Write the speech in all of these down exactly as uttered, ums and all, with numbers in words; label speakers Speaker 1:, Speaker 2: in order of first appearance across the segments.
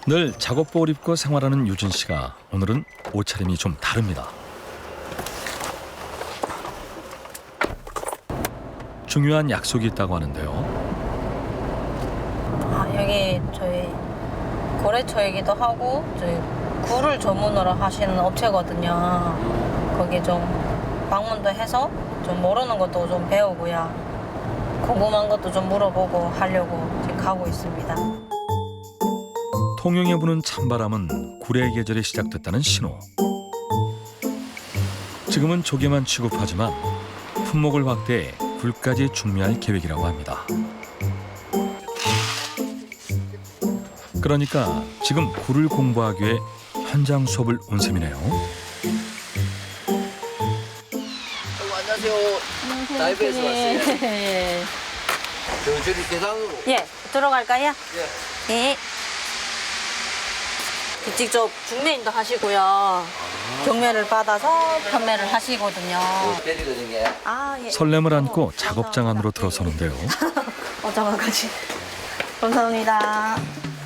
Speaker 1: 늘 작업복을 입고 생활하는 유진 씨가 오늘은 옷차림이 좀 다릅니다. 중요한 약속이 있다고 하는데요.
Speaker 2: 아, 여기 저희 거래처이기도 하고 저희 굴을 전문으로 하시는 업체거든요. 거기 좀 방문도 해서 좀 모르는 것도 좀 배우고요. 궁금한 것도 좀 물어보고 하려고 지금 가고 있습니다.
Speaker 1: 통영에 부는 찬바람은 굴의 계절이 시작됐다는 신호. 지금은 조개만 취급하지만 품목을 확대해 굴까지 준비할 계획이라고 합니다. 그러니까 지금 굴을 공부하기 위해 현장 수업을 온 셈이네요.
Speaker 3: 안녕하세요. 라이브에서 왔어요.
Speaker 2: 예.
Speaker 3: 저 저기 계단으로.
Speaker 2: 예, 들어갈까요?
Speaker 3: 예.
Speaker 2: 예. 직접 중매인도 하시고요. 경매를 받아서 판매를 하시거든요.
Speaker 3: 내리거든요.
Speaker 2: 아, 예.
Speaker 1: 설렘을 안고 작업장 안으로 들어서는데요.
Speaker 2: 어장아까지. 감사합니다.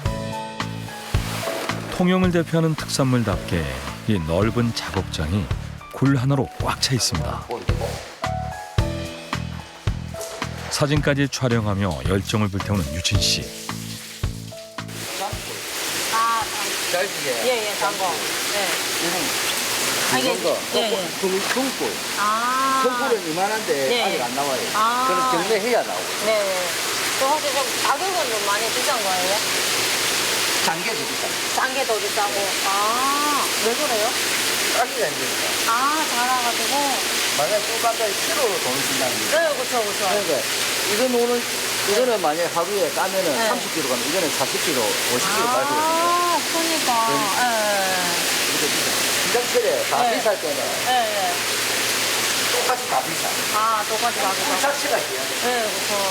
Speaker 1: 통영을 대표하는 특산물답게 이 넓은 작업장이 굴 하나로 꽉 차 있습니다. 사진까지 촬영하며 열정을 불태우는 유진 씨.
Speaker 2: 아,
Speaker 3: 짧게.
Speaker 2: 예, 예, 단거. 네. 아, 이게-
Speaker 3: 이런 거.
Speaker 2: 예, 예.
Speaker 3: 등굴.
Speaker 2: 아.
Speaker 3: 등굴은 이만한데
Speaker 2: 예,
Speaker 3: 아직
Speaker 2: 예.
Speaker 3: 안 나와요.
Speaker 2: 아.
Speaker 3: 그럼 경매해야 나오고.
Speaker 2: 네. 또 혹시 좀 가격은 좀 많이 비싼 거예요?
Speaker 3: 장계도 비싸.
Speaker 2: 싼 게 더 비싸고. 아, 왜 그래요?
Speaker 3: 따기가 힘드니까.
Speaker 2: 아, 달아가지고.
Speaker 3: 만약 꿀감자에 키로로 돈을 준다는 거.
Speaker 2: 네, 그쵸, 그쵸.
Speaker 3: 그러니까 이거 노는 이거는 만약 하루에 까면은
Speaker 2: 네.
Speaker 3: 삼십 킬로그램 가면 이거는 사십 킬로그램, 오십 킬로그램 가지고
Speaker 2: 아, 그러니까.
Speaker 3: 이렇게 비싸. 시장철에 다
Speaker 2: 네.
Speaker 3: 비쌀 때는
Speaker 2: 예, 예.
Speaker 3: 똑같이 다 비싸.
Speaker 2: 아, 똑같이
Speaker 3: 꿀
Speaker 2: 가격이.
Speaker 3: 자체가 비싸.
Speaker 2: 네,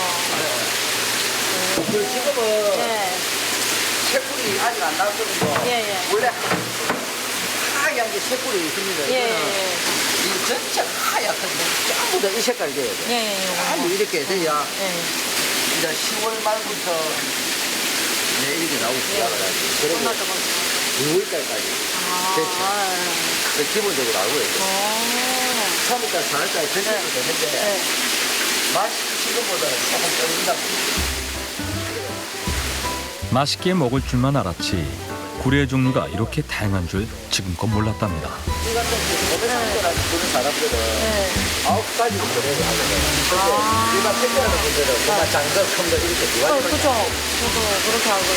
Speaker 2: 그쵸.
Speaker 3: 그 지금은
Speaker 2: 네.
Speaker 3: 새꿀이 아직 안 나왔거든요.
Speaker 2: 예, 예.
Speaker 3: 원래 하얀 게 새꿀이 있습니다.
Speaker 2: 예,
Speaker 3: 이거는
Speaker 2: 예.
Speaker 3: 이 전체 하얗거든요. 전부 다 이 색깔이 돼야 돼.
Speaker 2: 예, 예, 요거.
Speaker 3: 전부 이렇게 돼야
Speaker 2: 예.
Speaker 3: 이제 시월 말부터 이제 이렇게 나오기 시작을 하지. 그리고
Speaker 2: 끝났다, 끝났다.
Speaker 3: 유월달까지
Speaker 2: 아,
Speaker 3: 됐죠.
Speaker 2: 예.
Speaker 3: 그 기본적으로 알고 있어요.
Speaker 2: 오.
Speaker 3: 삼월달, 사월달에 전체도
Speaker 2: 네.
Speaker 3: 되는데
Speaker 2: 네.
Speaker 3: 맛이 지금보다는 조금 떨어진다.
Speaker 1: 맛있게 먹을 줄만 알았지 굴의 종류가 이렇게 다양한 줄 지금껏 몰랐답니다.
Speaker 3: 이 같은 고백상자라는 그런 사람들은
Speaker 2: 네.
Speaker 3: 아홉 가지로 거래를 하거든요. 근데
Speaker 2: 아.
Speaker 3: 일반 택배하는 분들은 정말 작은 거, 큰 거 이렇게 두
Speaker 2: 어,
Speaker 3: 가지로
Speaker 2: 그쵸. 저도 그렇게 알고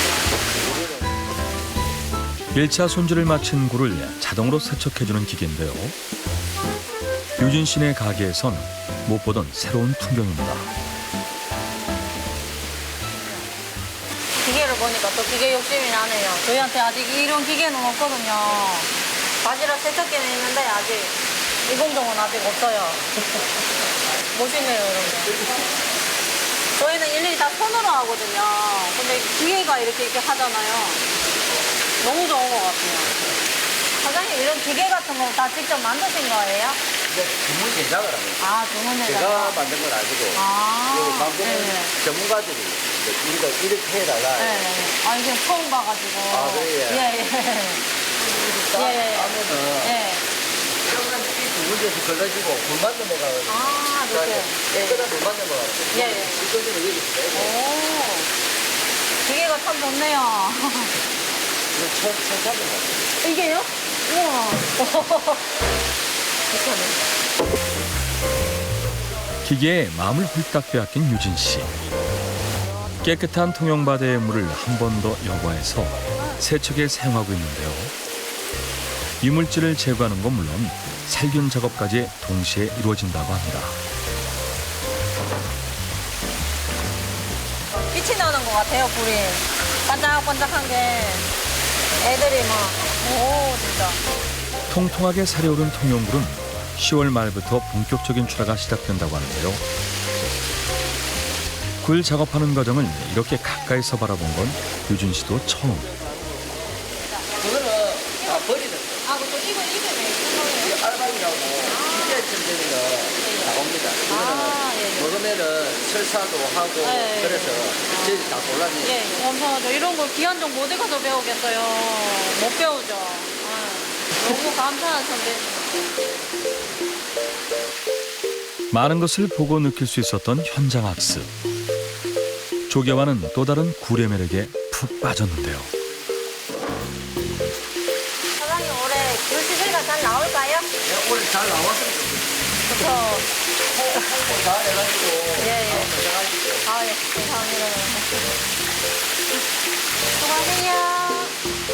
Speaker 2: 있거든요.
Speaker 1: 일 차 손질을 마친 굴을 자동으로 세척해주는 기계인데요. 유진 씨네 가게에선 못 보던 새로운 풍경입니다.
Speaker 2: 기계를 보니까 또 기계 욕심이 나네요. 저희한테 아직 이런 기계는 없거든요. 바지락 세척기는 있는데 아직 이 공정은 아직 없어요. 멋있네요, 이런 게. 저희는 일일이 다 손으로 하거든요. 근데 기계가 이렇게 이렇게 하잖아요. 너무 좋은 것 같아요. 사장님, 이런 기계 같은 거 다 직접 만드신 거예요?
Speaker 3: 이제 주문 제작을 합니다.
Speaker 2: 아, 주문을
Speaker 3: 제가 만든 건 아니고
Speaker 2: 아,
Speaker 3: 그 만드는
Speaker 2: 네네.
Speaker 3: 전문가들이 이제 우리가 이렇게 해다가
Speaker 2: 네. 아, 이게 처음 봐가지고.
Speaker 3: 아, 그래요?
Speaker 2: 예, 예.
Speaker 3: 딱
Speaker 2: 예.
Speaker 3: 하면은
Speaker 2: 예.
Speaker 3: 조금 이두 군데서 걸러지고 물 만든 데가
Speaker 2: 아, 이렇게.
Speaker 3: 깨끗한 물 만든 거가
Speaker 2: 예, 예.
Speaker 3: 이거는 여기 빼고
Speaker 2: 오. 기계가 참 좋네요.
Speaker 3: 이거 처음 처음 잡은 거.
Speaker 2: 이게요? 우와. 괜찮네.
Speaker 1: 기계에 마음을 홀딱 빼앗긴 유진 씨. 깨끗한 통영바다의 물을 한 번 더 여과해서 세척에 사용하고 있는데요. 이물질을 제거하는 건 물론 살균 작업까지 동시에 이루어진다고 합니다.
Speaker 2: 빛이 나는 것 같아요, 불이. 반짝반짝한 게. 애들이 막, 오, 진짜.
Speaker 1: 통통하게 살이 오른 통영굴은 시월 말부터 본격적인 출하가 시작된다고 하는데요. 굴 작업하는 과정을 이렇게 가까이서 바라본 건 유진 씨도 처음.
Speaker 3: 그거는 다 버리는 거.
Speaker 2: 아, 아, 그또 이거 이름이 무슨 거예요?
Speaker 3: 이게 알방이라고 기계쯤 되면은 나옵니다.
Speaker 2: 아, 예, 예.
Speaker 3: 이거는 먹으면은 설사도 하고
Speaker 2: 예, 예.
Speaker 3: 그래서 저희 다 골랐네요.
Speaker 2: 예, 감사하죠. 이런 걸 귀한 정보 어디 가서 배우겠어요. 못 배우죠. 아, 너무 감사한 선배님.
Speaker 1: 많은 것을 보고 느낄 수 있었던 현장 학습. 조개와는 또 다른 굴의 매력에 푹 빠졌는데요.
Speaker 2: 사장님 올해 굴시세가 잘 나올까요?
Speaker 3: 네, 오늘 잘 나왔으면 좋겠어요.
Speaker 2: 그쵸.
Speaker 3: 홍보 잘 해가지고
Speaker 2: 예, 예.
Speaker 3: 고생하십시오.
Speaker 2: 아, 예. 감사합니다. 수고하세요.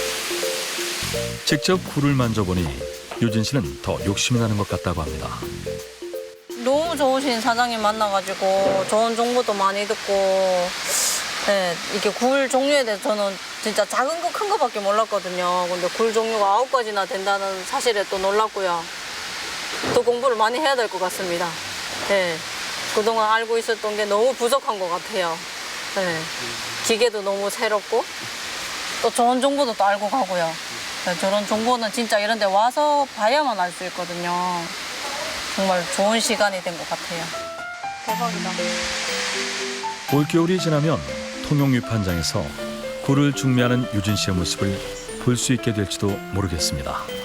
Speaker 1: 직접 굴을 만져보니 유진 씨는 더 욕심이 나는 것 같다고 합니다.
Speaker 2: 너무 좋으신 사장님 만나가지고 좋은 정보도 많이 듣고, 네, 이렇게 굴 종류에 대해서 저는 진짜 작은 거 큰 거밖에 몰랐거든요. 근데 굴 종류가 아홉 가지나 된다는 사실에 또 놀랐고요. 또 공부를 많이 해야 될 것 같습니다. 네, 그동안 알고 있었던 게 너무 부족한 것 같아요. 네, 기계도 너무 새롭고 또 좋은 정보도 또 알고 가고요. 네, 저런 정보는 진짜 이런 데 와서 봐야만 알 수 있거든요. 정말 좋은 시간이 된 것 같아요. 대박이다.
Speaker 1: 올겨울이 지나면 통영유판장에서 굴을 중매하는 유진 씨의 모습을 볼 수 있게 될지도 모르겠습니다.